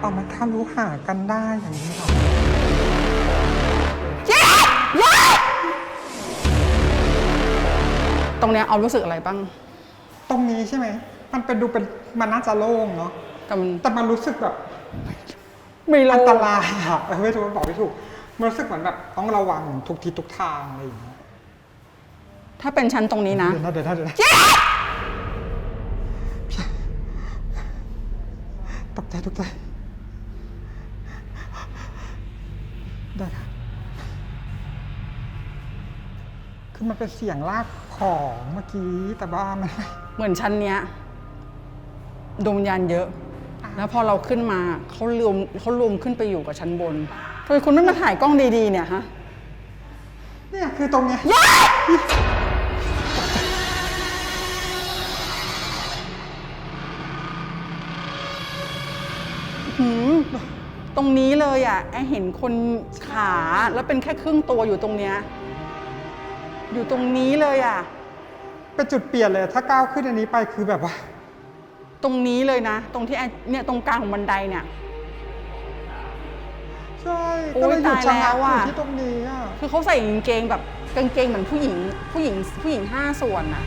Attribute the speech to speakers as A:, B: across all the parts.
A: เอามาทำรู้หากันได้อย่างนี้หรอ
B: ตรงเนี้ยเอารู้สึกอะไรบ้าง
A: ตรงนี้ใช่ไหมมันเป็นดูเป็นมันน่าจะโล่งเนาะแต่มันรู้สึกแบบ
B: ไม่โล่ง
A: อันตรายอะไม่ถูกบอกไม่ถูกมันรู้สึกเหมือนแบบต้องระวังทุกทิศทุกทางอะไรอย่างเงี้ย
B: ถ้าเป็นชั้นตรงนี้นะ
A: เดี๋ยวนะตกใจได้ค่ะคือมันเป็นเสียงลากของเมื่อกี้แต่ว่ามัน
B: เหมือนชั้นเนี้ยดวงวิญญาณเยอะแล้วพอเราขึ้นมาเขารวมขึ้นไปอยู่กับชั้นบนทำไมคุณไม่มาถ่ายกล้องดีๆเนี่ยฮะ
A: เนี่ยคือตรงเนี้ย
B: ตรงนี้เลยอ่ะไอเห็นคนขาแล้วเป็นแค่ครึ่งตัวอยู่ตรงเนี้ยอยู่ตรงนี้เลยอ่ะ
A: เป็นจุดเปลี่ยนเลยถ้าก้าวขึ้นอันนี้ไปคือแบบว่า
B: ตรงนี้เลยนะตรงที่เนี่ยตรงกลางของบันไดเนี่ย
A: ใช่ก็เลยอยู่ชั้นอยู่ที่ตรงนี้อ่ะ
B: คือเขาใส่กางเกงแบบกางเกงเหมือนผู้หญิง5 ส่วนอ่ะ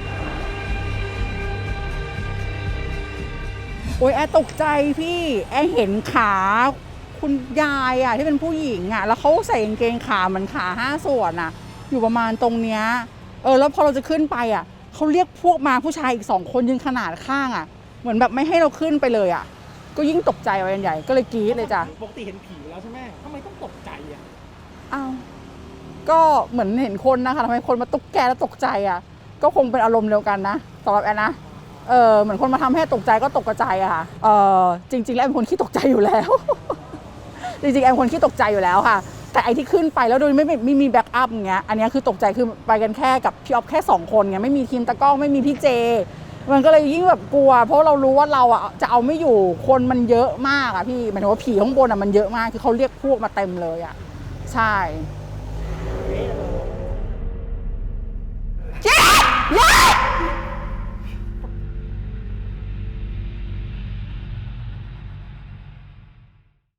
B: โอ๊ยแอตกใจพี่แอเห็นขาคุณยายอ่ะที่เป็นผู้หญิงอ่ะแล้วเขาใส่กางเกงขาเหมือนขา5 ส่วนอ่ะอยู่ประมาณตรงเนี้ยแล้วพอเราจะขึ้นไปอ่ะเขาเรียกพวกมาผู้ชายอีก2 คนยืนขนาดข้างอ่ะเหมือนแบบไม่ให้เราขึ้นไปเลยอ่ะก็ยิ่งตกใจไปใหญ่ก็เลยกรี๊ดเลยจ้ะ
C: ปกติเห็นผีแล้วใช่ไหมทำไมต้องตกใจอ่ะ
B: อ้าวก็เหมือนเห็นคนนะคะทำไมคนมาตุ๊กแกแล้วตกใจอ่ะก็คงเป็นอารมณ์เดียวกันนะสำหรับแอนนะเหมือนคนมาทำให้ตกใจก็ตกกระจายอะค่ะจริงๆแล้วแอนเป็นคนขี้ตกใจอยู่แล้ว จริงๆแอนเป็นคนขี้ตกใจอยู่แล้วค่ะแต่ไอที่ขึ้นไปแล้วโดยไม่มีแบ็กอัพอย่างเงี้ยอันนี้คือตกใจคือไปกันแค่กับพี่ออฟแค่2 คนไงไม่มีทีมตะกล้องไม่มีพี่เจมันก็เลยยิ่งแบบกลัวเพราะเรารู้ว่าเราอ่ะจะเอาไม่อยู่คนมันเยอะมากอ่ะพี่หมายถึงว่าผีข้างบนอ่ะมันเยอะมากคือเขาเรียกพวกมาเต็มเลยอ่ะใช่